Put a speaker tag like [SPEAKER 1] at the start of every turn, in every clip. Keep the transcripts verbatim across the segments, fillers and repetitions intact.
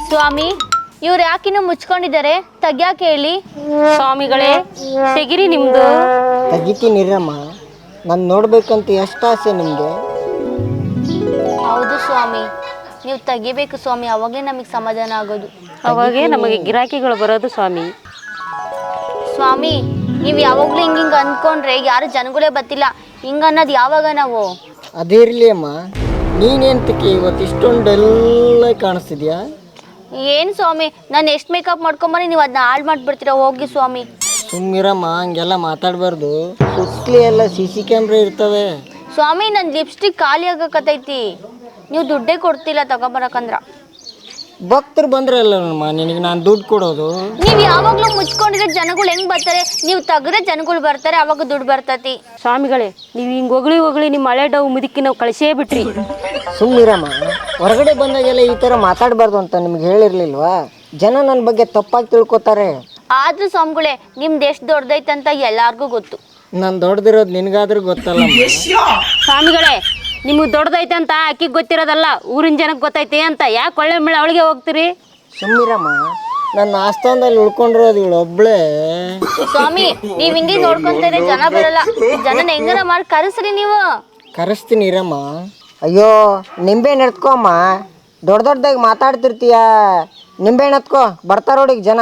[SPEAKER 1] ಸ್ವಾಮಿ, ಇವ್ರು ಯಾಕಿನ್ನು ಮುಚ್ಕೊಂಡಿದ್ದಾರೆ? ತೆಗ್ಯಾಕೆ ಹೇಳಿ.
[SPEAKER 2] ಸ್ವಾಮಿಗಳೇ, ತೆಗಿರಿ ನಿಮ್ದು.
[SPEAKER 3] ತೆಗಿತೀನಿರಮ್ಮ, ನಾನು ನೋಡ್ಬೇಕಂತ ಎಷ್ಟು ಆಸೆ ನಿಮಗೆ.
[SPEAKER 1] ಹೌದು ಸ್ವಾಮಿ, ನೀವು ತೆಗಿಬೇಕು ಸ್ವಾಮಿ, ಅವಾಗೇ ನಮಗೆ ಸಮಾಧಾನ ಆಗೋದು.
[SPEAKER 2] ಅವಾಗೇ ನಮಗೆ ಗಿರಾಕಿಗಳು ಬರೋದು ಸ್ವಾಮಿ.
[SPEAKER 1] ಸ್ವಾಮಿ, ನೀವು ಯಾವಾಗಲೂ ಹಿಂಗೆ ಹಿಂಗೆ ಅಂದ್ಕೊಂಡ್ರೆ ಯಾರು ಜನಗಳೇ ಬರ್ತಿಲ್ಲ. ಹಿಂಗೆ ಅನ್ನೋದು ಯಾವಾಗ ನಾವು?
[SPEAKER 3] ಅದಿರಲಿ ಅಮ್ಮ, ನೀನೇಂತಕ್ಕೆ ಇವತ್ತು ಇಷ್ಟೊಂದೆಲ್ಲ ಕಾಣಿಸ್ತಿದ್ಯಾ?
[SPEAKER 1] ಏನು ಸ್ವಾಮಿ, ನಾನು ಎಷ್ಟು ಮೇಕಪ್ ಮಾಡ್ಕೊಂಬನಿ ನೀವು ಅದನ್ನ ಹಾಳು ಮಾಡಿಬಿಡ್ತೀರಾ. ಹೋಗಿ ಸ್ವಾಮಿ.
[SPEAKER 3] ಸುಮ್ಮಿರಮ್ಮ, ಹಂಗೆಲ್ಲ ಮಾತಾಡಬಾರ್ದು. ಸುತ್ತಲಿ ಎಲ್ಲ ಸಿ ಸಿ ಕ್ಯಾಮ್ರಾ ಇರ್ತವೆ.
[SPEAKER 1] ಸ್ವಾಮಿ, ನನ್ನ ಲಿಪ್ಸ್ಟಿಕ್ ಖಾಲಿ ಆಗಕತ್ತೈತಿ. ನೀವು ದುಡ್ಡೇ ಕೊಡ್ತಿಲ್ಲ ತಗೊಂಬರಕಂದ್ರ.
[SPEAKER 3] ಭಕ್ತರು ಬಂದ್ರಲ್ಲಮ್ಮ ನಿನಗೆ ನಾನು ದುಡ್ಡು ಕೊಡೋದು.
[SPEAKER 1] ನೀವು ಯಾವಾಗಲೂ ಮುಚ್ಕೊಂಡಿರೋ ಜನಗಳು ಹೆಂಗೆ ಬರ್ತಾರೆ? ನೀವು ತೆಗ್ರೆ ಜನಗಳು ಬರ್ತಾರೆ, ಅವಾಗ ದುಡ್ಡು ಬರ್ತೈತಿ.
[SPEAKER 2] ಸ್ವಾಮಿಗಳೇ, ನೀವು ಹಿಂಗೆ ಹೊಗಳಿ ಹೊಗಳಿ ನಿಮ್ಮ ಹಳೆ ಡವ್ ಮುದುಕಿ ನಾವು ಕಳಿಸೇ ಬಿಟ್ರಿ.
[SPEAKER 3] ಸುಮ್ಮಿರಮ್ಮ, ಹೊರಗಡೆ ಬಂದಾಗೆಲ್ಲ ಈ ಥರ ಮಾತಾಡಬಾರ್ದು ಅಂತ ನಿಮ್ಗೆ ಹೇಳಿರ್ಲಿಲ್ವಾ? ಜನ ನನ್ನ ಬಗ್ಗೆ ತಪ್ಪಾಗಿ ತಿಳ್ಕೊತಾರೆ.
[SPEAKER 1] ಆದ್ರೂ ಸ್ವಾಮಿಗಳೇ, ನಿಮ್ದು ಎಷ್ಟು ದೊಡ್ಡದೈತಂತ ಎಲ್ಲಾರ್ಗೂ ಗೊತ್ತು.
[SPEAKER 3] ನಾನು ದೊಡ್ಡದಿರೋದು ನಿನಗಾದ್ರೂ ಗೊತ್ತಲ್ಲ.
[SPEAKER 2] ಸ್ವಾಮಿಗಳೇ, ನಿಮಗೆ ದೊಡ್ಡದೈತೆ ಅಂತ ಅಕ್ಕಿಗೆ ಗೊತ್ತಿರೋದಲ್ಲ, ಊರಿನ ಜನಕ್ಕೆ ಗೊತ್ತೈತೆ ಅಂತ. ಯಾಕೆ ಒಳ್ಳೆ ಮೇಳೆ ಅವಳಿಗೆ ಹೋಗ್ತೀರಿ?
[SPEAKER 3] ಸುಮ್ಮಿರಮ್ಮ, ನನ್ನ ಆಸ್ಥಾನದಲ್ಲಿ ಉಳ್ಕೊಂಡಿರೋದು ಇವಳು ಒಬ್ಳೆ.
[SPEAKER 1] ಸ್ವಾಮಿ, ನೀವ್ ಹಿಂಗೆ ನೋಡ್ಕೊಂತಾರೆ ಜನ ಬರಲ್ಲ. ಜನನ ಹೆಂಗಾರ ಮಾಡಿ ಕರೆಸ್ರಿ ನೀವು.
[SPEAKER 3] ಕರೆಸ್ತೀನಿ ಇರಮ್ಮ. ಅಯ್ಯೋ, ನಿಂಬೆಹಣ್ಣು ಎತ್ಕೊಮ್ಮ. ದೊಡ್ಡ ದೊಡ್ಡದಾಗಿ ಮಾತಾಡ್ತಿರ್ತೀಯ. ನಿಂಬೆಹಣ್ಣು ಎತ್ಕೋ, ಬರ್ತಾರೋಡಿಗೆ ಜನ.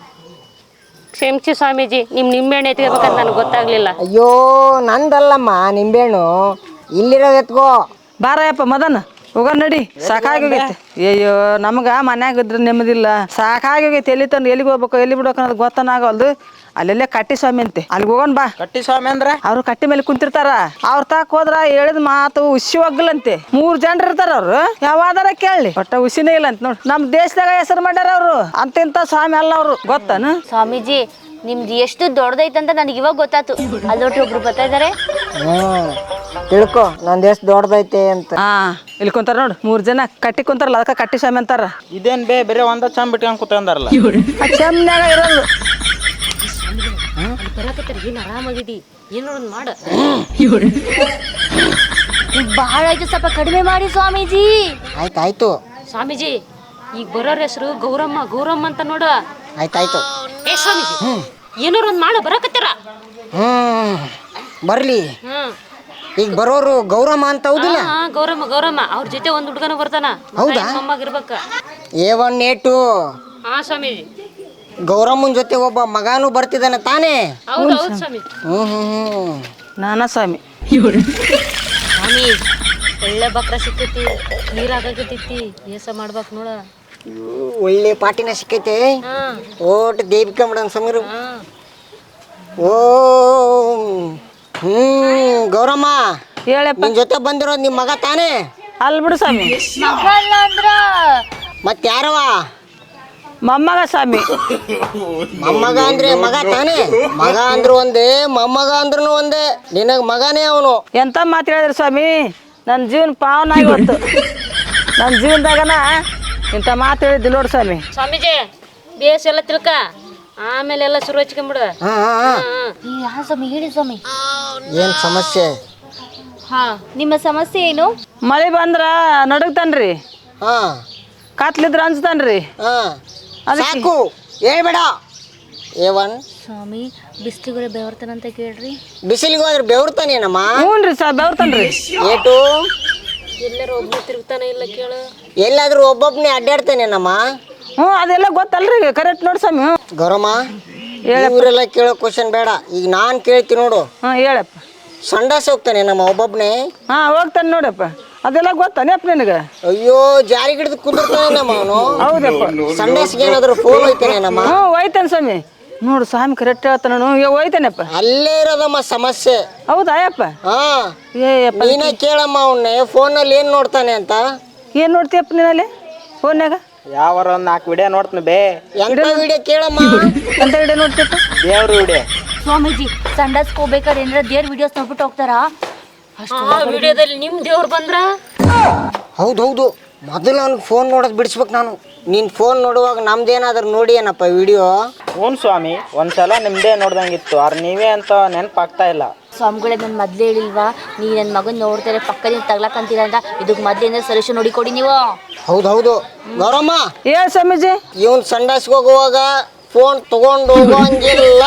[SPEAKER 2] ಕ್ಷಮಿಸಿ ಸ್ವಾಮೀಜಿ, ನಿಮ್ಮ ನಿಂಬೆಹಣ್ಣು ಎತ್ಕೋಬೇಕಂತ ನನಗೆ ಗೊತ್ತಾಗ್ಲಿಲ್ಲ.
[SPEAKER 3] ಅಯ್ಯೋ, ನಂದಲ್ಲಮ್ಮ ನಿಂಬೆಹಣ್ಣು, ಇಲ್ಲಿರೋದು ಎತ್ಕೋ.
[SPEAKER 4] ಬಾರಯ್ಯಪ್ಪ ಮದನ್, ಹೋಗೋಣ ನಡಿ. ಸಾಕಾಗೋಗೈತಿ. ಅಯ್ಯೋ, ನಮ್ಗೆ ಮನ್ಯಾಗ ಇದ್ರೆ ನೆಮ್ಮದಿಲ್ಲ. ಸಾಕಾಗೋಗೈತಿ. ಎಲ್ಲಿ ತಂದು ಎಲ್ಲಿಗೆ ಹೋಗ್ಬೇಕು, ಎಲ್ಲಿ ಬಿಡ್ಬೇಕು ಅನ್ನೋದು ಗೊತ್ತನಾಗಲ್ದು. ಅಲ್ಲೆಲ್ಲೇ ಕಟ್ಟಿ ಸ್ವಾಮಿ ಅಂತೆ, ಅಲ್ಲಿಗೆ ಹೋಗೋಣ ಬಾ.
[SPEAKER 3] ಕಟ್ಟಿ ಸ್ವಾಮಿ ಅಂದ್ರೆ
[SPEAKER 4] ಅವ್ರು ಕಟ್ಟಿ ಮೇಲೆ ಕುಂತಿರ್ತಾರ. ಅವ್ರ ತಾಕ ಹೋದ್ರ ಹೇಳಿದ ಮಾತು ಹುಸಿ ಒಗ್ಗಲಂತೆ. ಮೂರ್ ಜನರು ಇರ್ತಾರ ಅವ್ರು. ಯಾವಾದಾರ ಕೇಳಿ, ಒಟ್ಟ ಹುಸಿನೇ ಇಲ್ಲ ಅಂತ ನೋಡಿ. ನಮ್ ದೇಶದಾಗ ಹೆಸರು ಮಾಡ್ಯಾರ ಅವ್ರು. ಅಂತಿಂತ ಸ್ವಾಮಿ ಅಲ್ಲ ಅವ್ರು, ಗೊತ್ತಾನ?
[SPEAKER 1] ಸ್ವಾಮೀಜಿ, ನಿಮ್ದು ಎಷ್ಟು ದೊಡ್ಡದೈತಂತ ನನಗೆ ಇವಾಗ ಗೊತ್ತಾಯ್ತು. ಅಲ್ಲೊಟ್ಟಿ ಒಬ್ರು ಬರ್ತಾ ಇದಾರೆ.
[SPEAKER 3] ಹ್ಮ್, ತಿಳ್ಕೊ ನಂದು ಎಷ್ಟು ದೊಡ್ಡದೈತೆ ಅಂತ.
[SPEAKER 4] ಹಾ, ಇಲ್ಲಿ ಕುಂತಾರ ನೋಡು, ಮೂರ್ ಜನ ಕಟ್ಟಿ ಕುಂತಾರಲ್ಲ, ಅದಕ್ಕೆ ಕಟ್ಟಿ ಸ್ವಾಮಿ ಅಂತಾರ.
[SPEAKER 5] ಇದೇನ್ ಬೇ ಬೇರೆ ಒಂದ ಚಂಬ್ ಬಿಟ್ಕೊಂಡ್ ಕೂತ್ಕೊಂಡಾರಲ್ಲ.
[SPEAKER 4] ಚಮ್ನಾಗ ಇರೋದು.
[SPEAKER 2] ಏನು ಆರಾಮಾಗಿದ್ದಿ, ಏನೋ ಒಂದು ಮಾಡ.
[SPEAKER 1] ಬಹಳ ಆಯ್ತು, ಸ್ವಲ್ಪ ಕಡಿಮೆ ಮಾಡಿ ಸ್ವಾಮೀಜಿ.
[SPEAKER 3] ಆಯ್ತಾಯ್ತು
[SPEAKER 2] ಸ್ವಾಮೀಜಿ, ಈಗ ಬರೋರ ಹೆಸರು ಗೌರಮ್ಮ. ಗೌರಮ್ಮ ಅಂತ ನೋಡ.
[SPEAKER 3] ಆಯ್ತಾಯ್ತು.
[SPEAKER 2] ಏ ಸ್ವಾಮೀಜಿ, ಏನಾರ ಒಂದು ಮಾಡ, ಬರಕತ್ತೀರ.
[SPEAKER 3] ಹ್ಮ್, ಬರ್ಲಿ.
[SPEAKER 2] ಹ್ಮ್,
[SPEAKER 3] ಈಗ ಬರೋರು ಗೌರಮ್ಮ ಅಂತ ಹೌದಿಲ್ಲ?
[SPEAKER 2] ಹಾ, ಗೌರಮ್ಮ ಗೌರಮ್ಮ. ಅವ್ರ ಜೊತೆ ಒಂದು ಹುಡುಗನ ಬರ್ತಾನ.
[SPEAKER 3] ಹೌದಾ?
[SPEAKER 2] ಮೊಮ್ಮಗಿರ್ಬೇಕ.
[SPEAKER 3] ಏ ಒನ್ ಏಟು.
[SPEAKER 2] ಹಾ ಸ್ವಾಮೀಜಿ,
[SPEAKER 3] ಗೌರಮ್ಮನ ಜೊತೆ ಒಬ್ಬ ಮಗಾನು ಬರ್ತಿದ್ದಾನೆ ತಾನೇ?
[SPEAKER 2] ಹೌದು ಹೌದು ಸ್ವಾಮಿ.
[SPEAKER 3] ಹ್ಮ್ ಹ್ಮ್ ಹ್ಮ್
[SPEAKER 4] ನಾನಾ ಸ್ವಾಮಿ.
[SPEAKER 2] ಸ್ವಾಮಿ, ಒಳ್ಳೆ ಬಕ್ರ ಸಿಕ್ಕೈತಿ, ನೀರಾಗತೈತಿ. ಏಸ ಮಾಡ್ಬೇಕು ನೋಡ.
[SPEAKER 3] ಒಳ್ಳೆ ಪಾಟಿನ ಸಿಕ್ಕೈತೆ.
[SPEAKER 2] ಹಾ
[SPEAKER 3] ಓಟ್ ದೇವಿಕಾ ಮೇಡಮ್ ಸಮೀರು.
[SPEAKER 2] ಹಾ
[SPEAKER 3] ಓ ಹ್ಮ್, ಗೌರಮ್ಮ
[SPEAKER 4] ಹೇಳಪ್ಪ.
[SPEAKER 3] ನಿನ್ ಜೊತೆ ಬಂದಿರೋದು ನಿಮ್ಮ ಮಗ ತಾನೇ?
[SPEAKER 4] ಅಲ್ ಬಿಡು ಸ್ವಾಮಿ,
[SPEAKER 1] ಮಗ ಅಲ್ಲ ಅಂದ್ರ
[SPEAKER 3] ಮತ್ತೆ ಯಾರವ?
[SPEAKER 4] ಮೊಮ್ಮಗ ಸ್ವಾಮಿ.
[SPEAKER 3] ಮೊಮ್ಮಗ ಅಂದ್ರೆ ಮಗ ತಾನೇ? ಮಗ ಅಂದ್ರು ಒಂದೇ, ಮೊಮ್ಮಗ ಅಂದ್ರೂ ಒಂದೇ. ನಿನಗ್ ಮಗನೇ ಅವನು.
[SPEAKER 4] ಎಂತ ಮಾತು ಹೇಳಿದ್ರಿ ಸ್ವಾಮಿ, ನನ್ನ ಜೀವನ ಪಾವನ ಆಗಿವತ್ತು. ನನ್ನ ಜೀವನದಾಗನ ಇಂಥ ಮಾತು ಹೇಳಿದ್ದು ನೋಡಿ ಸ್ವಾಮಿ.
[SPEAKER 2] ಸ್ವಾಮೀಜಿ, ಬೇಸ್ ಎಲ್ಲ ತಿಳ್ಕ, ಆಮೇಲೆ ಎಲ್ಲ ಶುರು ಹಚ್ಕೊಂಬಿಡು.
[SPEAKER 3] ಹಾ ಹಾ ಹಾ.
[SPEAKER 1] ಯಾ ಸ್ವಾಮಿ, ಹೇಳಿ ಸ್ವಾಮಿ.
[SPEAKER 3] ಏನ್ ಸಮಸ್ಯೆ?
[SPEAKER 1] ಹಾ, ನಿಮ್ಮ ಸಮಸ್ಯೆ ಏನು?
[SPEAKER 4] ಮಳೆ ಬಂದ್ರ ನಡುಗ್ತಾನ್ರಿ,
[SPEAKER 3] ಹಾ
[SPEAKER 4] ಕಾತ್ಲಿದ್ರ ಅನ್ಸ್ತಾನ್ರಿ.
[SPEAKER 3] ಹಾ, ಸಾಕು ಹೇಳ್ಬೇಡ. ಏ ಒನ್,
[SPEAKER 1] ಸ್ವಾಮಿ, ಬಿಸ್ಲಿgore ಬೆವರ್ತಾನಂತ ಕೇಳ್ರಿ.
[SPEAKER 3] ಬಿಸಿಲಿಗೆ ಹೋದ್ರೆ ಬೆವರ್ತಾನೇನಮ್ಮ?
[SPEAKER 4] ಹ್ಞೂ ರೀ ಸಾ ಬೆವರ್ತನ್ರಿ.
[SPEAKER 3] ಏಟು
[SPEAKER 2] ಎಲ್ಲರೂ ಒಬ್ರು ತಿರುಗ್ತಾನೆ ಇಲ್ಲ ಕೇಳು.
[SPEAKER 3] ಎಲ್ಲಾದ್ರೂ ಒಬ್ಬೊಬ್ನೇ ಅಡ್ಡಾಡ್ತಾನೇನಮ್ಮ?
[SPEAKER 4] ಹ್ಞೂ, ಅದೆಲ್ಲ ಗೊತ್ತಲ್ರಿ, ಕರೆಕ್ಟ್ ನೋಡಿ ಸ್ವಾಮಿ. ಹ್ಞೂ
[SPEAKER 3] ಗೌರಮ್ಮ, ಇವರೆಲ್ಲ ಕೇಳೋ ಕ್ವಶನ್ ಬೇಡ, ಈಗ ನಾನು ಕೇಳ್ತೀನಿ ನೋಡು.
[SPEAKER 4] ಹಾಂ ಹೇಳಪ್ಪ.
[SPEAKER 3] ಸಂಡಾಸ ಹೋಗ್ತಾನೆ ನಮ್ಮ ಒಬ್ಬೊಬ್ನೇ?
[SPEAKER 4] ಹಾಂ ಹೋಗ್ತಾನೆ ನೋಡಪ್ಪ, ಅದೆಲ್ಲ ಗೊತ್ತಾನೆಪ್ಪ ನಿನಗೆ?
[SPEAKER 3] ಅಯ್ಯೋ, ಜಾರಿ ಗಿಡದ ಕುಂದಿರ್ತಾನೆ ನಮ್ಮ ಅವನು.
[SPEAKER 4] ಹೌದಪ್ಪ.
[SPEAKER 3] ಸಂಡಾಸ್ಗೆ ಏನಾದ್ರು ಫೋನ್ ಹೋಯ್ತಾನೆ ನಮ್ಮ?
[SPEAKER 4] ಹ್ಞೂ ಹೋಯ್ತಾನೆ ಸ್ವಾಮಿ. ನೋಡು ಸ್ವಾಮಿ ಕರೆಕ್ಟ್ ಹೇಳ್ತಾನ. ಹೋಯ್ತಾನಪ್ಪ.
[SPEAKER 3] ಅಲ್ಲೇ ಇರೋದಮ್ಮ ಸಮಸ್ಯೆ.
[SPEAKER 4] ಹೌದಾ ಯಪ್ಪ?
[SPEAKER 3] ಹಾ,
[SPEAKER 4] ಏಯಪ್ಪ,
[SPEAKER 3] ನೀನೇ ಕೇಳಮ್ಮ ಅವನ್ನೇ, ಫೋನಲ್ಲಿ ಏನ್ ನೋಡ್ತಾನೆ ಅಂತ.
[SPEAKER 4] ಏನು ನೋಡ್ತೀಯಪ್ಪ ನೀನಲ್ಲಿ ಫೋನ್ಯಾಗ?
[SPEAKER 5] ಯಾವಾರ ಒಂದ್ ನಾಲ್ಕು ವಿಡಿಯೋ ನೋಡ್ತೀನಿ ಬೇ.
[SPEAKER 3] ಎಂತ ವಿಡಿಯೋ ಕೇಳಮ್ಮ?
[SPEAKER 4] ಅಂತ ವಿಡಿಯೋ ನೋಡ್ತೀಯಪ್ಪ?
[SPEAKER 5] ದೇವ್ರ ವಿಡಿಯೋ.
[SPEAKER 1] ಸ್ವಾಮೀಜಿ, ಸಂಡಾಸ್ಗೆ ಹೋಗ್ಬೇಕಾದ್ರೆ ಏನಾರ ದೇವ್ರ ವಿಡಿಯೋಸ್ ನೋಡ್ಬಿಟ್ಟು ಹೋಗ್ತಾರಾ?
[SPEAKER 2] ಆ ವಿಡಿಯೋದಲ್ಲಿ ನಿಮ್ ದೇವ್ರು ಬಂದ್ರ?
[SPEAKER 3] ಹೌದೌದು, ಮೊದಲು ಅವ್ನಿಗೆ ಫೋನ್ ನೋಡೋದು ಬಿಡಿಸ್ಬೇಕು ನಾನು. ನೀನು ಫೋನ್ ನೋಡುವಾಗ ನಮ್ದೇನಾದ್ರೂ ನೋಡಿ ಏನಪ್ಪ ವಿಡಿಯೋ?
[SPEAKER 5] ಹ್ಞೂ ಸ್ವಾಮಿ, ಒಂದ್ಸಲ ನಿಮ್ದೇ ನೋಡ್ದಂಗಿತ್ತು, ಆದ್ರೆ ನೀವೇ ಅಂತ ನೆನಪಾಗ್ತಾ ಇಲ್ಲ.
[SPEAKER 1] ಸ್ವಾಮಿಗಳೇ ನನ್ನ ಮೊದ್ಲೇ ಹೇಳಿಲ್ವಾ ನೀ ನನ್ನ ಮಗನ್ ನೋಡ್ತಾರೆ ಪಕ್ಕದಿಂದ ತಗ್ಲಾಕಂತೀರ ಅಂತ ಇದಕ್ಕೆ ಮೊದ್ಲಿಂದ ಸೊಲ್ಯೂಷನ್ ನೋಡಿ ಕೊಡಿ ನೀವು.
[SPEAKER 3] ಹೌದು ಹೌದು ಗೌರಮ್ಮ,
[SPEAKER 4] ಹೇಳ ಸ್ವಾಮೀಜಿ.
[SPEAKER 3] ಇವನ್ ಸಂಡಾಸ್ಗೆ ಹೋಗುವಾಗ ಫೋನ್ ತಗೊಂಡು ಹೋಗೋಂಗಿಲ್ಲ.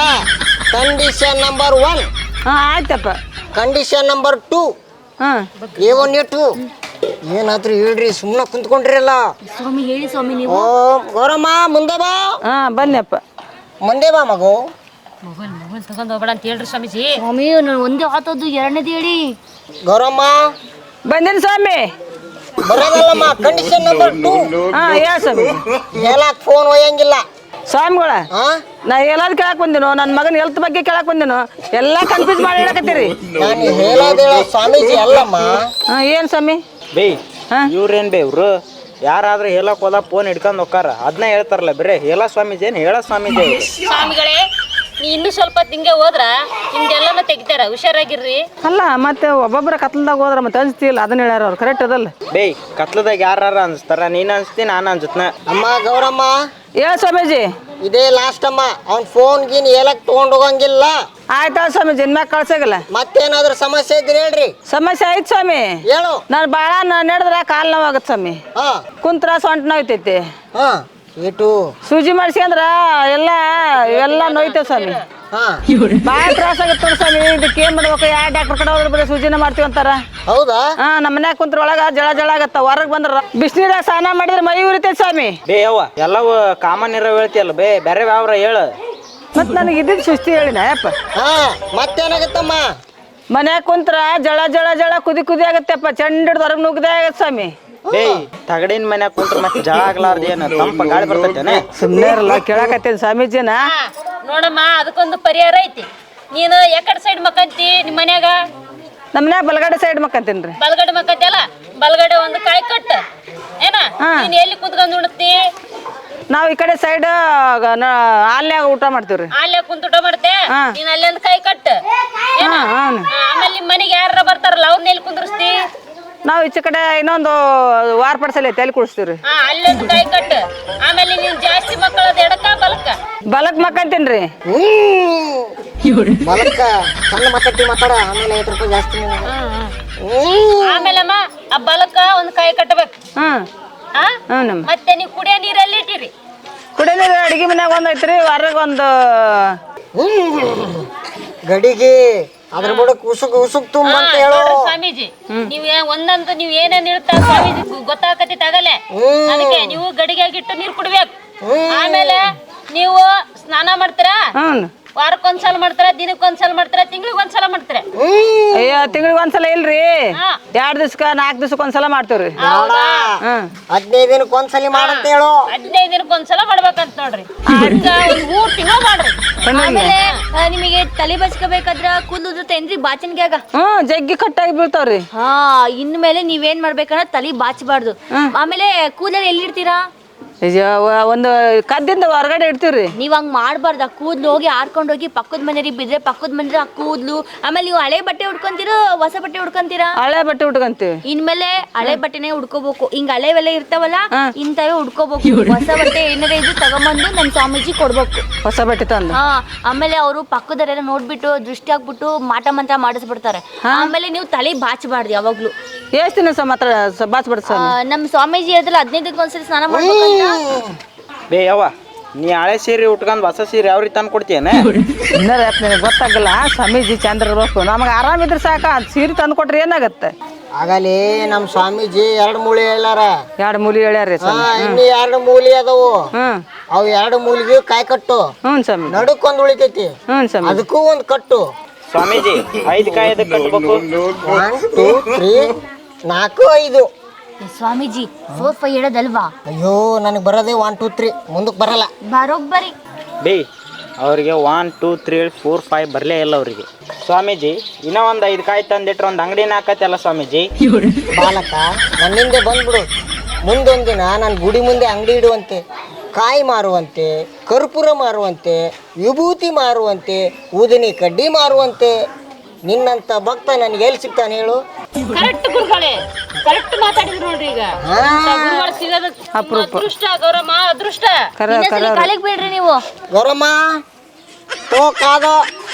[SPEAKER 3] Condition number one.
[SPEAKER 4] ಹಾ ಆಯ್ತಪ್ಪ.
[SPEAKER 3] Condition number two.
[SPEAKER 4] ಹಾ
[SPEAKER 3] ಏ ಒನ್ ಏ ಟೂ. ಏನಾದ್ರೂ ಹೇಳ್ರಿ, ಸುಮ್ಮನೆ ಕುಂತ್ಕೊಂಡ್ರಿಲ್ಲ.
[SPEAKER 1] ಸ್ವಾಮಿ ಹೇಳಿ ಸ್ವಾಮಿ ನೀವು.
[SPEAKER 3] ಓ ಗೌರಮ್ಮ ಮುಂದೆ ಬಾ.
[SPEAKER 4] ಹಾ ಬನ್ನಿಯಪ್ಪ.
[SPEAKER 3] ಮುಂದೆ ಬಾ ಮಗು.
[SPEAKER 2] ಮೊಬೈಲ್ ಮೊಬೈಲ್ ತಗೊಂಡ್ ಹೋಗ್ಬೇಡ ಅಂತ ಹೇಳ್ರಿ ಸ್ವಾಮೀಜಿ.
[SPEAKER 1] ಸ್ವಾಮಿ ನಾನು ಒಂದೇ ಆತದ್ದು ಎರಡನೇದು ಹೇಳಿ.
[SPEAKER 3] ಗೌರಮ್ಮ
[SPEAKER 4] ಬಂದಿನ ಸ್ವಾಮಿ.
[SPEAKER 3] ಬರೋದಲ್ಲಮ್ಮ, ಕಂಡೀಷನ್ ನಂಬರ್ ಟೂ.
[SPEAKER 4] ಹಾ ಹೇಳ ಸ್ವಾಮಿ.
[SPEAKER 3] ಹೇಳಕ್ ಫೋನ್ ಒಯ್ಯಂಗಿಲ್ಲ.
[SPEAKER 4] ಸ್ವಾಮಿಗಳ
[SPEAKER 3] ಹಾ
[SPEAKER 4] ನಾ ಎಲ್ಲಾರು ಕೇಳಕ್ ಬಂದಿನೋ, ನನ್ನ ಮಗನ ಹೆಲ್ತ್ ಬಗ್ಗೆ ಕೇಳಕ್ ಬಂದಿನೋ, ಎಲ್ಲಾ ಕನ್ಫ್ಯೂಸ್ ಮಾಡಿ ಹೇಳಕತ್ತೀರಿ.
[SPEAKER 3] ನಾನು ಹೇಳೋದೇಳ ಸ್ವಾಮೀಜಿ ಅಲ್ಲಮ್ಮ.
[SPEAKER 4] ಹಾ ಏನ್ ಸ್ವಾಮಿ.
[SPEAKER 5] ಬೇ
[SPEAKER 4] ಹಾ?
[SPEAKER 5] ಇವ್ರೇನ್ ಬೇ ಇವ್ರು ಯಾರಾದ್ರೂ ಹೇಳಕ್ ಹೋದ ಫೋನ್ ಹಿಡ್ಕೊಂಡ್ ಹೋಗ್ತಾರ, ಅದನ್ನ ಹೇಳ್ತಾರಲ್ಲ ಬರೇ ಹೇಳ ಸ್ವಾಮೀಜಿ ಏನ್ ಹೇಳ ಸ್ವಾಮೀಜಿ ಅವ್ರು.
[SPEAKER 2] ಸ್ವಾಮಿಗಳೇ ನೀ ಇನ್ನೂ ಸ್ವಲ್ಪ ತಿಂಗೆ ಹೋದ್ರ ನಿಮ್ದೆಲ್ಲನೂ ತೆಗಿತಾರ, ಹುಷಾರಾಗಿರ್ರಿ.
[SPEAKER 4] ಅಲ್ಲ ಮತ್ತೆ ಒಬ್ಬೊಬ್ಬರ ಕತ್ಲದಾಗ ಹೋದ್ರ ಮತ್ತೆ ಅನ್ಸ್ತಿಲ್ಲ, ಅದನ್ನ ಹೇಳ್ಯಾರ ಅವ್ರು. ಕರೆಕ್ಟ್ ಅದಲ್ಲ.
[SPEAKER 5] ಬೇ ಕತ್ಲದಾಗ ಯಾರ ಅನ್ಸ್ತಾರ, ನೀನ್ ಅನ್ಸ್ತಿ ನಾನು ಅನ್ಸತ್ನ.
[SPEAKER 3] ಅಮ್ಮ ಗೌರಮ್ಮ
[SPEAKER 4] ಹೇಳ ಸ್ವಾಮೀಜಿ.
[SPEAKER 3] ಇದೇ ಲಾಸ್ಟ್ ಅಮ್ಮ. ಅವ್ನ ಫೋನ್ ಗೀನ್ ಹೇಳಕ್ ತಗೊಂಡ್ ಹೋಗಂಗಿಲ್ಲ.
[SPEAKER 4] ಆಯ್ತಾ ಸ್ವಾಮೀಜಿ, ಇನ್ಮ್ಯಾಗ ಕಳ್ಸಾಗಿಲ್ಲ.
[SPEAKER 3] ಮತ್ತೇನಾದ್ರೂ ಸಮಸ್ಯೆ ಇದ್ರೆ ಹೇಳ್ರಿ.
[SPEAKER 4] ಸಮಸ್ಯೆ ಐತ್ ಸ್ವಾಮಿ.
[SPEAKER 3] ಹೇಳು.
[SPEAKER 4] ನಾನು ಭಾಳ ನಡೆದ್ರೆ ಕಾಲು ನೋವಾಗತ್ತೆ ಸ್ವಾಮಿ.
[SPEAKER 3] ಹಾ
[SPEAKER 4] ಕುಂತ್ರ ಸೊಂಟ ನೋಯ್ತೈತಿ.
[SPEAKER 3] ಹಾ ಏಟು.
[SPEAKER 4] ಸೂಜಿ ಮಾಡಿಸ್ಕೊಂಡ್ರ ಎಲ್ಲ ಎಲ್ಲ ನೋಯ್ತೇವೆ ಸ್ವಾಮಿ.
[SPEAKER 3] ಹಾ
[SPEAKER 4] ಭಾಳ ತ್ರಾಸ ಆಗತ್ತೆ ನೋಡಿ ಸ್ವಾಮಿ. ಇದಕ್ಕೆ ಏನ್ ಮಾಡ್ಬೇಕು, ಯಾವ ಡಾಕ್ಟರ್ ಕಡೆ ಹೋದ್ರೆ ಬರೀ ಸೂಜಿನ ಮಾಡ್ತೀವಿ ಅಂತಾರ.
[SPEAKER 3] ಹೌದಾ?
[SPEAKER 4] ಹಾ ನಮ್ಮ ಮನ್ಯಾಗ ಕುಂತ್ರ ಒಳಗ ಜಳ ಜಳ ಆಗತ್ತ. ಹೊರಗೆ ಬಂದ್ರ ಬಿಸಿನೀರಾಗ ಸ್ನಾನ ಮಾಡಿದ್ರೆ ಮೈ ಉರಿತೈತಿ ಸ್ವಾಮಿ.
[SPEAKER 5] ಬೇ ಯವ್ವ ಎಲ್ಲವೂ ಕಾಮನ್ ಇರೋ ಹೇಳ್ತಿಯಲ್ಲ ಬೇ, ಬೇರೆ ಯಾವ್ರ ಹೇಳು.
[SPEAKER 4] ಮತ್ ನನಗೆ ಇದ್ದಿದ್ದು ಸುಸ್ತಿ ಹೇಳಿನ ಯಪ್ಪ.
[SPEAKER 3] ಹಾ ಮತ್ತೇನಾಗತ್ತಮ್ಮ?
[SPEAKER 4] ಮನ್ಯಾಗ ಕುಂತ್ರ ಜಳ ಜಳ ಜಳ ಕುದಿ ಕುದಿ ಆಗತ್ತೆಪ್ಪ. ಚಂಡ ಹಿಡ್ದು ಹೊರಗೆ ನುಗ್ಗದೆ ಆಗತ್ತೆ ಸ್ವಾಮಿ.
[SPEAKER 5] ಬೇ ತಗಡಿನ ಮನ್ಯಾಗ ಕುಂತ್ರ ಮತ್ತೆ ಜಳ ಆಗ್ಲಾರ್ದ ಏನು ತಂಪ ಗಾಳಿ ಬರ್ತೈತೇನೆ?
[SPEAKER 4] ಸುಮ್ಮನೆ ಇರಲ್ಲ, ಕೇಳಕತ್ತೇನೆ ಸ್ವಾಮೀಜಿನ.
[SPEAKER 2] ಹಾ, ನೋಡಮ್ಮ ಅದಕ್ಕೊಂದು ಪರಿಹಾರ ಐತಿ. ನೀನು ಯಾಕಡೆ ಸೈಡ್ ಮಕ್ಕಂತಿ ನಿಮ್ಮ ಮನ್ಯಾಗ?
[SPEAKER 4] ನಮ್ಮ ಮನ್ಯಾಗ ಬಲಗಡೆ ಸೈಡ್ ಮಕ್ಕಂತೀನಿ ರೀ.
[SPEAKER 2] ಬಲಗಡೆ ಮಕ್ಕಂತಿ ಅಲ್ಲ, ಬಲಗಡೆ ಒಂದು ಕಾಯಿ ಕಟ್ಟ ಏನ. ನೀನ್ ಎಲ್ಲಿ ಕುಂತ್ಕೊಂಡ್ ಉಣತಿ?
[SPEAKER 4] ನಾವು ಈ ಕಡೆ ಸೈಡ್ ಹಾಲ್ನ್ಯಾಗ ಊಟ ಮಾಡ್ತೀವ್ರಿ.
[SPEAKER 2] ಅಲ್ಲೇ ಕುಂತ ಊಟ ಮಾಡ್ತೆ. ನೀನ್ ಅಲ್ಲಿ ಒಂದು ಕಾಯಿ ಕಟ್ಟ ಏನ.
[SPEAKER 4] ಹಾ, ಹಾ.
[SPEAKER 2] ಹಾ, ಆಮೇಲೆ ನಿಮ್ ಮನೆಗೆ ಯಾರ ಬರ್ತಾರಲ್ಲ ಅವ್ರನ್ನ ಎಲ್ಲಿ ಕುಂದ್ರಸ್ತಿ?
[SPEAKER 4] ನಾವು ಈಚೆ ಕಡೆ ಇನ್ನೊಂದು ವಾರ ಪಡಿಸಲಿ ಐತೆ, ಅಲ್ಲಿ ಕುಡಿಸ್ತೀವ್ರಿ.
[SPEAKER 2] ಹಾ, ಅಲ್ಲೊಂದು ಕಾಯಿ ಕಟ್ಟ. ಆಮೇಲೆ ನೀನ್ ಜಾಸ್ತಿ ಮಕ್ಕಳದ ಎಡಕ ಬಲಕ್ಕ?
[SPEAKER 4] ಬಲಕ್ ಮಕ್ಕಂತೀನಿ ರೀ.
[SPEAKER 3] ಹ್ಮ್ ಬಲಕ್ಕ ಸಣ್ಣ ಮಾತಾಡ್ತಿ ಮಾತಾಡ, ಆಮೇಲೆ ಐವತ್ತು ರೂಪಾಯಿ ಜಾಸ್ತಿ.
[SPEAKER 2] ಆಮೇಲಮ್ಮ ಆ ಬಲಕ್ಕ ಒಂದು ಕಾಯಿ ಕಟ್ಟಬೇಕು.
[SPEAKER 4] ಹ್ಮ್
[SPEAKER 2] ಹಾ,
[SPEAKER 4] ಹ್ಞೂ ನಮ್ಮ
[SPEAKER 2] ಮತ್ತೆ ನೀವು ಕುಡಿಯೋ ನೀರಲ್ಲಿ ಇಟ್ಟಿರಿ.
[SPEAKER 4] ಕುಡಿಯ ನೀರು ಅಡಿಗೆ ಮನ್ಯಾಗ ಒಂದು ಐತ್ರಿ, ಹೊರಗೆ ಒಂದು
[SPEAKER 3] ಗಡಿಗೆ ಅದ್ರ ಬುಡಕ್ ಉಸುಕ್ ಉಸುಕ್ ತುಂಬ ಅಂತ
[SPEAKER 2] ಹಾ,
[SPEAKER 3] ಹೇಳೋ.
[SPEAKER 2] ನೋಡ್ರಿ ಸ್ವಾಮೀಜಿ, ನೀವ್ ಏ- ಒಂದೊಂದು ನೀವ್ ಏನೇನ್ ಇರ್ತಾರ ಸ್ವಾಮೀಜಿ ಗೊತ್ತಾಗತಿ ತಗಲೆ. ಅದಕ್ಕೆ ನೀವು ಗಡಿಗೆಗಿಟ್ಟು ನೀರ್ ಕುಡ್ಬೇಕು. ಆಮೇಲೆ ನೀವು ಸ್ನಾನ ಮಾಡ್ತೀರಾ,
[SPEAKER 4] ಹ್ಞೂ
[SPEAKER 2] ವಾರಕ್ಕೊಂದ್ಸಲ ಮಾಡ್ತಾರ, ದಿನಕ್ಕೊಂದ್ಸಲ ಮಾಡ್ತಾರ, ತಿಂಗಳಿಗೆ ಒಂದ್ಸಲ ಮಾಡ್ತಾರ?
[SPEAKER 4] ಅಯ್ಯೋ ತಿಂಗಳಿಗೆ ಒಂದ್ಸಲ ಇಲ್ರಿ,
[SPEAKER 2] ಹಾ.
[SPEAKER 4] ಎರಡು ದಿವ್ಸಕ್ಕೆ ನಾಲ್ಕು ದಿವ್ಸಕ್ಕೆ ಒಂದ್ಸಲ ಮಾಡ್ತೀವ್ರಿ.
[SPEAKER 2] ಹೌದಾ?
[SPEAKER 4] ಹ್ಮ್
[SPEAKER 3] ಹದಿನೈದು ದಿನಕ್ಕೆ ಒಂದ್ಸಲಿ ಮಾಡಂತ ಹೇಳು.
[SPEAKER 2] ಹದಿನೈದು ದಿನಕ್ಕೆ ಒಂದ್ಸಲ ಮಾಡ್ಬೇಕಂತ ನೋಡ್ರಿ. ಹಂಗ ಒಂದ್ ಮೂರ್ ತಿಂಗಳು ಮಾಡ್ರಿ.
[SPEAKER 1] ಆಮೇಲೆ ಆ, ನಿಮಗೆ ತಲೆ ಬಚ್ಕೋಬೇಕಾದ್ರ ಕೂದಲು ಉದುರ್ತೇನ್ರಿ ಬಾಚನ್ಗ್ಯಾಗ?
[SPEAKER 4] ಹ್ಞೂ ಜಗ್ಗಿ ಕಟ್ಟಾಗಿ ಬೀಳ್ತಾವ್ರಿ.
[SPEAKER 1] ಹಾ ಇನ್ಮೇಲೆ ನೀವೇನ್ ಮಾಡ್ಬೇಕಂದ್ರೆ ತಲೆ ಬಾಚಬಾರ್ದು. ಆಮೇಲೆ ಕೂದಲು ಎಲ್ಲಿಡ್ತೀರಾ?
[SPEAKER 4] ಅಯ್ಯೋ, ಒಂದು ಕದ್ದಿಂದ ಹೊರಗಡೆ ಇಡ್ತೀವ್ರಿ.
[SPEAKER 1] ನೀವ್ ಹಂಗ್ ಮಾಡ್ಬಾರ್ದು. ಆ ಕೂದ್ಲು ಹೋಗಿ ಆರ್ಕೊಂಡ್ ಹೋಗಿ ಪಕ್ಕದ ಮನೆಯವ್ರಿಗೆ ಬಿದ್ರೆ ಪಕ್ಕದ ಮನೆ ಆ ಕೂದ್ಲು. ಆಮೇಲೆ ನೀವು ಹಳೆ ಬಟ್ಟೆ ಉಡ್ಕೊಂತೀರೋ ಹೊಸ ಬಟ್ಟೆ ಉಡ್ಕೊಂತೀರಾ?
[SPEAKER 4] ಹಳೆ ಬಟ್ಟೆ ಉಟ್ಕೊಂತೀವಿ.
[SPEAKER 1] ಇನ್ಮೇಲೆ ಹಳೆ ಬಟ್ಟೆನೆ ಉಡ್ಕೋಬೇಕು. ಹಿಂಗ್ ಹಳೆವೆಲ್ಲ ಇರ್ತಾವಲ್ಲ ಇಂಥವೇ ಉಡ್ಕೋಬೇಕು. ಹೊಸ ಬಟ್ಟೆ ಏನಾರ ಇದ್ದು ತಗೊಂಬಂದು ನಮ್ ಸ್ವಾಮೀಜಿ ಕೊಡ್ಬೇಕು.
[SPEAKER 4] ಹೊಸ ಬಟ್ಟೆ ತಂದು.
[SPEAKER 1] ಹಾ ಆಮೇಲೆ ಅವರು ಪಕ್ಕದವರೆಲ್ಲ ನೋಡ್ಬಿಟ್ಟು ದೃಷ್ಟಿ ಆಗ್ಬಿಟ್ಟು ಮಾಟ ಮಂತ್ರ ಮಾಡಿಸ್ಬಿಡ್ತಾರೆ. ಆಮೇಲೆ ನೀವು ತಲೆ ಬಾಚಬಾರ್ದು ಯಾವಾಗ್ಲೂ.
[SPEAKER 4] ಎಷ್ಟು ದಿನ ಸಹ ಮಾತ್ರ ಬಾಚ್ಬಿಡ್ತ
[SPEAKER 1] ಆ, ನಮ್ ಸ್ವಾಮೀಜಿ ಹೇಳಿದ್ರಲ್ಲ ಹದಿನೈದಕ್ಕೆ ಒಂದ್ಸರಿ ಸ್ನಾನ ಮಾಡ್ಬೇಕಂತ.
[SPEAKER 5] ಬೇ ಯವ್ವ ನೀ ಹಳೆ ಸೀರೆ ಉಟ್ಕೊಂಡ್ ಹೊಸ ಸೀರೆ ಯಾವ ರೀತಿ ತಂದು ಕೊಡ್ತೀಯನ?
[SPEAKER 4] ಇನ್ನರ ನಿನಗೆ ಗೊತ್ತಾಗಲ್ಲ, ಸ್ವಾಮೀಜಿ ಚಂದ್ರ ಇರ್ಬೇಕು. ನಮಗೆ ಆರಾಮಿದ್ರೆ ಸಾಕ, ಅದು ಸೀರೆ ತಂದು ಕೊಟ್ರೆ ಏನಾಗತ್ತೆ?
[SPEAKER 3] ಆಗಲೇ ನಮ್ ಸ್ವಾಮೀಜಿ ಎರಡು ಮೂಲಿ ಹೇಳಾರ.
[SPEAKER 4] ಎರಡು ಮೂಲಿ ಹೇಳ್ಯಾರಿ
[SPEAKER 3] ಹಾ
[SPEAKER 4] ಸ್ವಾಮಿ.
[SPEAKER 3] ಇನ್ನು ಎರಡು ಮೂಲಿ ಅದಾವು.
[SPEAKER 4] ಹ್ಮ್
[SPEAKER 3] ಅವು ಎರಡು ಮೂಲಿಗೆ ಕಾಯಿ ಕಟ್ಟು.
[SPEAKER 4] ಹ್ಞೂ ಸ್ವಾಮಿ.
[SPEAKER 3] ನಡುಕ್ ಒಂದ್ ಉಳಿತೈತಿ,
[SPEAKER 4] ಹ್ಞೂ ಸ್ವಾಮಿ.
[SPEAKER 3] ಅದಕ್ಕೂ ಒಂದ್ ಕಟ್ಟು.
[SPEAKER 5] ಸ್ವಾಮೀಜಿ ಐದು ಕಾಯಿ ಅದಕ್ಕೆ ಕಟ್ಬೇಕು.
[SPEAKER 3] ಒನ್ ಟೂ ತ್ರೀ ನಾಲ್ಕು ಐದು.
[SPEAKER 1] ಸ್ವಾಮೀಜಿ ಫೋರ್ ಫೈವ್ ಹೇಳೋದಲ್ವಾ?
[SPEAKER 3] ಅಯ್ಯೋ ನನಗೆ ಬರೋದೇ ಒನ್ ಟೂ ತ್ರೀ, ಮುಂದಕ್ಕೆ ಬರಲ್ಲ.
[SPEAKER 1] ಬರೋಬ್ಬರಿ.
[SPEAKER 5] ಬೇ ಅವ್ರಿಗೆ one two three four five ಬರಲೇ ಇಲ್ಲ ಅವರಿಗೆ. ಸ್ವಾಮೀಜಿ ಇನ್ನೂ ಒಂದು ಐದು ಕಾಯಿ ತಂದಿಟ್ರೆ ಒಂದು ಅಂಗಡಿನ ಹಾಕತ್ತಲ್ಲ ಸ್ವಾಮೀಜಿ.
[SPEAKER 3] ಬಾಲಕ ನನ್ನಿಂದೆ ಬಂದ್ಬಿಡು. ಮುಂದೊಂದಿನ ನಾನು ಗುಡಿ ಮುಂದೆ ಅಂಗಡಿ ಇಡುವಂತೆ, ಕಾಯಿ ಮಾರುವಂತೆ, ಕರ್ಪೂರ ಮಾರುವಂತೆ, ವಿಭೂತಿ ಮಾರುವಂತೆ, ಊದಿನಿ ಕಡ್ಡಿ ಮಾರುವಂತೆ. ನಿನ್ನಂತ ಭಕ್ತ ನನಗೆ ಎಲ್ಲಿ ಸಿಗ್ತಾನೆ ಹೇಳು?
[SPEAKER 2] ಕರೆಕ್ಟ್ ಗುರುಗಳೇ, ಕರೆಕ್ಟ್ ಮಾತಾಡಿದ್ರು ನೋಡ್ರಿ. ಈಗ ಗುರುಗಳು ಸಿಗೋದು ಅದೃಷ್ಟ ಗೌರಮ್ಮ, ಅದೃಷ್ಟ.
[SPEAKER 4] ಕರ ಕರ
[SPEAKER 1] ಕಾಲಿಗೆ ಬೀಳ್ರಿ ನೀವು.
[SPEAKER 3] ಗೌರಮ್ಮ ತೋ ಕಾದ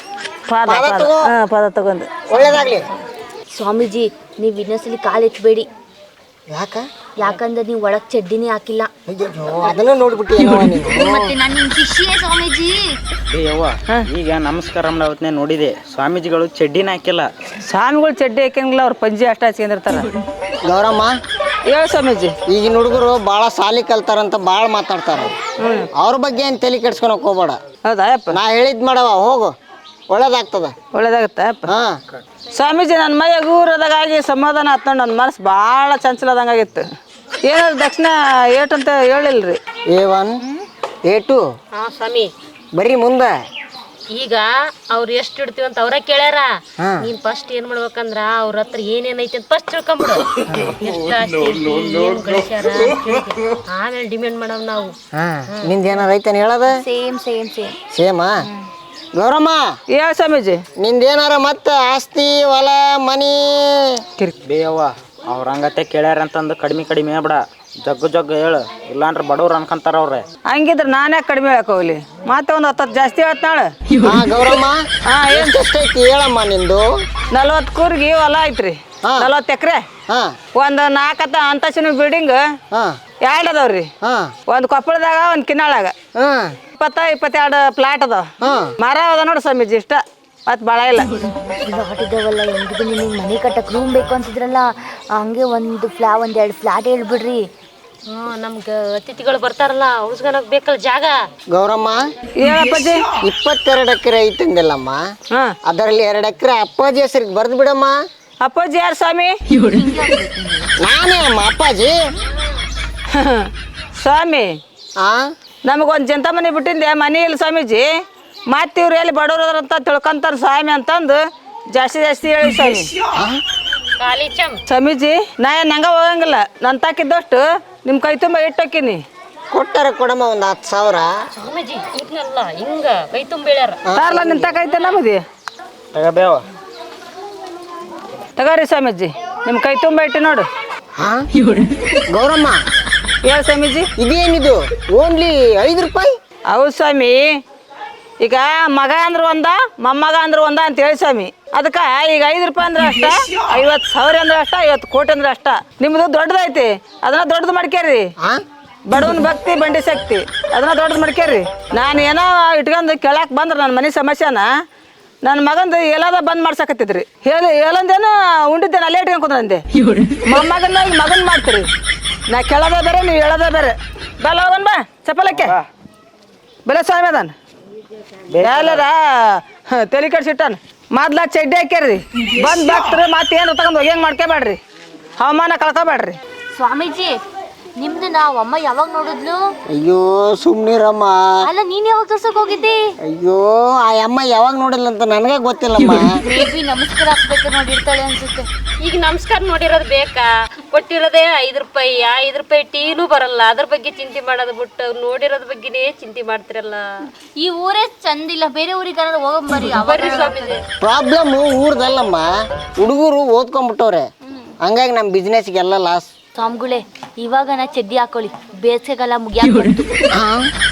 [SPEAKER 4] ಪಾದ
[SPEAKER 3] ಪಾದ
[SPEAKER 4] ಪಾದ
[SPEAKER 3] ತಗೋ.
[SPEAKER 4] ಹಾ ಪಾದ ತಗೊಂಡು
[SPEAKER 3] ಒಳ್ಳೇದಾಗ್ಲಿ.
[SPEAKER 1] ಸ್ವಾಮೀಜಿ ನೀವು ಇನ್ನೊಂದ್ಸಲಿ ಕಾಲು ಎತ್ತಬೇಡಿ,
[SPEAKER 3] ಯಾಕ
[SPEAKER 1] ಯಾಕಂದ್ರೆ ನೀವು ಒಳಗ್ ಚಡ್ಡಿನೇ ಹಾಕಿಲ್ಲ.
[SPEAKER 3] ಅಯ್ಯೋ ಅದನ್ನ ನೋಡ್ಬಿಟ್ಟಿ
[SPEAKER 1] ಮತ್ತೆ ನಾನು ನಿಮ್ ಶಿಷ್ಯೆ ಸ್ವಾಮೀಜಿ.
[SPEAKER 5] ಏ ಯವ್ವ ಈಗ ನಮಸ್ಕಾರ ಅವತ್ತನೇ ನೋಡಿದೆ ಸ್ವಾಮೀಜಿಗಳು ಚಡ್ಡಿನ ಹಾಕಿಲ್ಲ.
[SPEAKER 4] ಸ್ವಾಮಿಗಳು ಚಡ್ಡಿ ಹಾಕಂಗಿಲ್ಲ ಅವ್ರು ಪಂಜಿ ಅಷ್ಟ ಹಚ್ಕೊಂಡಿರ್ತಾರ.
[SPEAKER 3] ಗೌರಮ್ಮ
[SPEAKER 4] ಹೇಳ ಸ್ವಾಮೀಜಿ.
[SPEAKER 3] ಈಗಿನ ಹುಡುಗರು ಭಾಳ ಸಾಲಿ ಕಲ್ತಾರಂತ ಭಾಳ ಮಾತಾಡ್ತಾರ. ಅವ್ರ ಬಗ್ಗೆ ಏನು ತಲೆ ಕೆಡ್ಸ್ಕೊಳಕ್ ಹೋಗ್ಬೇಡ.
[SPEAKER 4] ಹೌದಾ ಅಪ್ಪ?
[SPEAKER 3] ನಾ ಹೇಳಿದ್ ಮಾಡವ ಹೋಗು, ಒಳ್ಳೇದಾಗ್ತದ.
[SPEAKER 4] ಒಳ್ಳೇದಾಗತ್ತ ಅಪ್ಪ?
[SPEAKER 3] ಹಾ
[SPEAKER 4] ಸ್ವಾಮೀಜಿ ನನ್ನ ಮೈ ಹಗೂರದಾಗಿ ಸಮಾಧಾನ ಆತ್ಕೊಂಡು ನನ್ನ ಮನಸ್ಸು ಭಾಳ ಚಂಚಲದಂಗಾಗಿತ್ತು. ಏನಾದ್ರು ದಕ್ಷಿಣ ಏಟ್ ಅಂತ ಹೇಳಿಲ್ರಿ.
[SPEAKER 3] ಎ ಒನ್ ಎ ಟು
[SPEAKER 2] ಹಾ ಸ್ವಾಮಿ,
[SPEAKER 3] ಬರೀ ಮುಂದೆ
[SPEAKER 2] ಈಗ ಅವ್ರು ಎಷ್ಟು ಇಡ್ತೀವಿ ಅಂತ ಅವ್ರ ಕೇಳ್ಯಾರ.
[SPEAKER 3] ಹಾ.
[SPEAKER 2] ನೀನ್ ಫಸ್ಟ್ ಏನ್ ಮಾಡ್ಬೇಕಂದ್ರ ಅವ್ರ ಹತ್ರ ಏನೇನೈತಿ ಅಂತ ಫಸ್ಟ್ ತಿಳ್ಕೊಂಬಿಡು. ಎಷ್ಟು ಆಸ್ತಿ ಐತಿ, ಏನ್ ಗಳಿಸ್ಯಾರ ಅಂತ ಕೇಳ್ತಿ. ಆಮೇಲೆ ಡಿಮ್ಯಾಂಡ್ ಮಾಡವ್ ನಾವು.
[SPEAKER 3] ಹಾ ನಿಂದ ಏನಾರ ಐತೇನು ಹೇಳದ?
[SPEAKER 1] ಸೇಮ್ ಸೇಮ್ ಸೇಮ್
[SPEAKER 3] ಸೇಮಾ? ಗೌರಮ್ಮ
[SPEAKER 4] ಹೇಳ ಸ್ವಾಮೀಜಿ.
[SPEAKER 3] ನಿಂದೇನಾರ ಮತ್ತೆ ಆಸ್ತಿ ಹೊಲ ಮನಿ
[SPEAKER 5] ಬೇಯವ್ವ ಅವ್ರ ಹಂಗತೆ ಕೇಳ್ಯಾರ ಅಂತಂದು ಕಡಿಮೆ ಕಡಿಮೆ ಹೇಳ್ಬೇಡ, ಜಗ್ಗು ಜಗ್ಗು ಹೇಳು, ಇಲ್ಲಾಂದ್ರೆ ಬಡವ್ರು ಅನ್ಕೊಂತಾರ ಅವ್ರೆ.
[SPEAKER 4] ಹಂಗಿದ್ರೆ ನಾನೇ ಕಡಿಮೆ ಹೇಳಕ್ ಹೋಗ್ಲಿ, ಮತ್ತೆ ಒಂದು ಹತ್ತು ಜಾಸ್ತಿ ಹೇಳ್ತಾಳೆ.
[SPEAKER 3] ಹಾ ಗೌರಮ್ಮ ಹಾ ಏನ್ ಎಷ್ಟೈತಿ ಹೇಳಮ್ಮ ನಿಂದು?
[SPEAKER 4] ನಲ್ವತ್ತು ಕೂರ್ಗಿ ಹೊಲ ಐತ್ರಿ,
[SPEAKER 3] ಹಾ.
[SPEAKER 4] ನಲ್ವತ್ತು ಎಕರೆ,
[SPEAKER 3] ಹಾ
[SPEAKER 4] ಒಂದು ನಾಲ್ಕತ್ತ ಅಂತಸ್ತಿನ ಬಿಲ್ಡಿಂಗ್
[SPEAKER 3] ಹಾ
[SPEAKER 4] ಎರಡು ಅದಾವ್ರಿ.
[SPEAKER 3] ಹಾ
[SPEAKER 4] ಒಂದು ಕೊಪ್ಪಳದಾಗ ಒಂದು ಕಿನ್ನಾಳಾಗ
[SPEAKER 3] ಹಾ
[SPEAKER 4] ಇಪ್ಪತ್ತ ಇಪ್ಪತ್ತೆರಡು ಪ್ಲಾಟ್ ಅದಾವ.
[SPEAKER 3] ಹಾ
[SPEAKER 4] ಮರ ಅದ ನೋಡಿ ಸ್ವಾಮೀಜಿ, ಇಷ್ಟ ಮತ್ತೆ ಭಾಳ ಇಲ್ಲ.
[SPEAKER 1] ಫ್ಲಾಟ್ ಇದಾವಲ್ಲ, ಹೆಂಗಿದ್ರು ನಿಮಗೆ ಮನೆ ಕಟ್ಟಕ್ ರೂಮ್ ಬೇಕು ಅಂತಿದ್ರಲ್ಲ, ಹಂಗೆ ಒಂದು ಫ್ಲಾ ಒಂದ್ ಎರಡು ಫ್ಲಾಟ್ ಹೇಳ್ಬಿಡ್ರಿ.
[SPEAKER 2] ಹ್ಮ್ ನಮ್ಗ ಅತಿಥಿಗಳು ಬರ್ತಾರಲ್ಲ ಉಳ್ಸ್ಕೊಳಕ್ ಬೇಕಲ್ಲ ಜಾಗ.
[SPEAKER 3] ಗೌರಮ್ಮ
[SPEAKER 4] ಹೇಳಪ್ಪಾಜಿ.
[SPEAKER 3] ಇಪ್ಪತ್ತೆರಡು ಎಕರೆ ಐತಂದಿಲ್ಲಮ್ಮ,
[SPEAKER 4] ಹಾ
[SPEAKER 3] ಅದರಲ್ಲಿ ಎರಡು ಎಕರೆ ಅಪ್ಪಾಜಿ ಹೆಸರಿಗೆ ಬರ್ದು ಬಿಡಮ್ಮ.
[SPEAKER 4] ಅಪ್ಪಾಜಿ ಯಾರು ಸ್ವಾಮಿ?
[SPEAKER 3] ನಾನೇ ಅಮ್ಮ ಅಪ್ಪಾಜಿ.
[SPEAKER 4] ಸ್ವಾಮಿ
[SPEAKER 3] ಆ
[SPEAKER 4] ನಮಗೊಂದು ಜಂತ ಮನೆ ಬಿಟ್ಟಿಂದೆ, ಮನೆ ಇಲ್ಲ ಸ್ವಾಮೀಜಿ. ಮತ್ತೆ ಇವ್ರು ಎಲ್ಲಿ ಬಡವ್ರು ಅಂತ ತಿಳ್ಕೊಂತಾರ ಸ್ವಾಮಿ ಅಂತಂದು ಜಾಸ್ತಿ ಜಾಸ್ತಿ ಹೇಳಿ ಸ್ವಾಮಿ.
[SPEAKER 2] ಖಾಲಿ ಚಮ್
[SPEAKER 4] ಸ್ವಾಮೀಜಿ ನಾ ಏನು ಹಂಗ ಹೋಗಂಗಿಲ್ಲ, ನನ್ನ ತಾಕಿದ್ದಷ್ಟು ನಿಮ್ಮ ಕೈ ತುಂಬ ಇಟ್ಟೋಕಿನಿ.
[SPEAKER 3] ಕೊಟ್ಟಾರ ಕೊಡಮ್ಮ ಒಂದು ಹತ್ತು ಸಾವಿರ.
[SPEAKER 2] ಸ್ವಾಮೀಜಿ ಇದ್ನಲ್ಲ ಹಿಂಗ ಕೈ ತುಂಬ ಹೇಳ್ಯಾರ.
[SPEAKER 4] ತಾರಲ್ಲ ನಿನ್ನ ತಾಕೈತೆ ನಮ್ಮದಿ
[SPEAKER 5] ತಗಬೇವ
[SPEAKER 4] ತಗೋರಿ ಸ್ವಾಮೀಜಿ, ನಿಮ್ಮ ಕೈ ತುಂಬ ಇಟ್ಟು ನೋಡು.
[SPEAKER 3] ಹಾ ಗೌರಮ್ಮ
[SPEAKER 4] ಹೇಳು ಸ್ವಾಮೀಜಿ.
[SPEAKER 3] ಇದೇನಿದು ಓನ್ಲಿ ಐದು ರೂಪಾಯಿ?
[SPEAKER 4] ಹೌದು ಸ್ವಾಮಿ, ಈಗ ಮಗ ಅಂದ್ರೆ ಒಂದ ಮೊಮ್ಮಗ ಅಂದ್ರೆ ಒಂದ ಅಂತ ಹೇಳಿ ಸ್ವಾಮಿ. ಅದಕ್ಕೆ ಈಗ ಐದು ರೂಪಾಯಿ ಅಂದ್ರೆ ಅಷ್ಟ, ಐವತ್ತು ಸಾವಿರ ಅಂದ್ರೆ ಅಷ್ಟ, ಐವತ್ತು ಕೋಟಿ ಅಂದ್ರೆ ಅಷ್ಟ. ನಿಮ್ಮದು ದೊಡ್ಡದೈತಿ, ಅದನ್ನ ದೊಡ್ಡದು ಮಾಡ್ಕೇರಿ.
[SPEAKER 3] ಹಾ
[SPEAKER 4] ಬಡವನ ಭಕ್ತಿ ಬಂಡಿ ಶಕ್ತಿ ಅದನ್ನ ದೊಡ್ಡದು ಮಾಡ್ಕೇರಿ. ನಾನು ಏನೋ ಇಟ್ಕೊಂಡು ಕೇಳಕ್ಕೆ ಬಂದ್ರೆ ನನ್ನ ಮನೆ ಸಮಸ್ಯೆನ ನನ್ನ ಮಗಂದು ಎಲ್ಲದ ಬಂದ್ ಮಾಡ್ಸಕತ್ತಿದ್ರಿ. ಹೇಳಿ ಹೇಳಂದೇನು ಉಂಡಿದ್ದೇನೆ ಅಲ್ಲೇ ಇಟ್ಕೊಂಡು ಕುಂದ್ರಂದೆ. ಮೊಮ್ಮಗನ ಮಗನ್ ಮಾಡ್ತೀರಿ, ನಾ ಕೇಳೋದೇ ಬೇರೆ ನೀವು ಹೇಳೋದೇ ಬೇರೆ. ಬಲ್ಲ ಹೋಗನ್ ಬಾ ಚಪ್ಪಲಕ್ಕೆ ಬೆಲೆ ಸ್ವಾಮಿ ಅದಾನ ಎಲ್ಲರ ತಲೆ ಕಡ್ಸಿಟ್ಟಾನ. ಮೊದ್ಲ ಚಡ್ಡಿ ಹಾಕ್ಯಾರ್ರಿ, ಬಂದ್ ಬಾಕ್ತ್ರಿ ಮತ್ತೇನು ತಗೊಂಡು ಹೋಗ್ಯಂಗೆ ಮಾಡ್ಕೋಬೇಡ್ರಿ, ಹವಾಮಾನ ಕಳ್ಕೊಬೇಡ್ರಿ.
[SPEAKER 1] ಸ್ವಾಮೀಜಿ ನಿಮ್ದು ನಾವ್ ಅಮ್ಮ ಯಾವಾಗ ನೋಡಿದ್ಲು?
[SPEAKER 3] ಅಯ್ಯೋ ಸುಮ್ನಿರಮ್ಮ.
[SPEAKER 1] ಅಲ್ಲ ನೀನ್ ಯಾವಾಗ ತೋರ್ಸಕ್ ಹೋಗಿದ್ದಿ?
[SPEAKER 3] ಅಯ್ಯೋ ಆ ಅಮ್ಮ ಯಾವಾಗ ನೋಡಿಲ್ಲ ಅಂತ ನನಗೆ ಗೊತ್ತಿಲ್ಲಮ್ಮ.
[SPEAKER 1] ಮೇಬಿ ನಮಸ್ಕಾರ ಹಾಕ್ಬೇಕು ನೋಡಿರ್ತಾಳೆ ಅನ್ಸುತ್ತೆ.
[SPEAKER 2] ಈಗ ನಮಸ್ಕಾರ ನೋಡಿರೋದು ಬೇಕಾ? ಕೊಟ್ಟಿರೋದೇ ಐದು ರೂಪಾಯಿ, ಐದು ರೂಪಾಯಿ ಟೀನು ಬರಲ್ಲ. ಅದ್ರ ಬಗ್ಗೆ ಚಿಂತೆ ಮಾಡೋದು ಬಿಟ್ಟು ನೋಡಿರೋದ್ ಬಗ್ಗೆನೇ ಚಿಂತೆ ಮಾಡ್ತಿರಲ್ಲ.
[SPEAKER 1] ಈ ಊರೇ ಚಂದಿಲ್ಲ, ಬೇರೆ ಊರಿಗೆ ಹೋಗಂಬರಿ.
[SPEAKER 2] ಬರ್ರಿ ಸ್ವಾಮೀಜಿ.
[SPEAKER 3] ಪ್ರಾಬ್ಲಮ್ ಊರ್ದಲ್ಲಮ್ಮ, ಹುಡುಗರು ಓದ್ಕೊಂಡ್ಬಿಟ್ಟವ್ರೆ, ಹಂಗಾಗಿ ನಮ್ಮ ಬಿಸ್ನೆಸ್ಗೆಲ್ಲ ಲಾಸ್.
[SPEAKER 1] ಸ್ವಾಮಿಗಳೇ ಇವಾಗ ನಾ ಚಡ್ಡಿ ಹಾಕೊಳ್ಳಿ, ಬೇಸಿಗೆಗಾಲ ಮುಗಿಯಾಕ
[SPEAKER 3] ಹಾ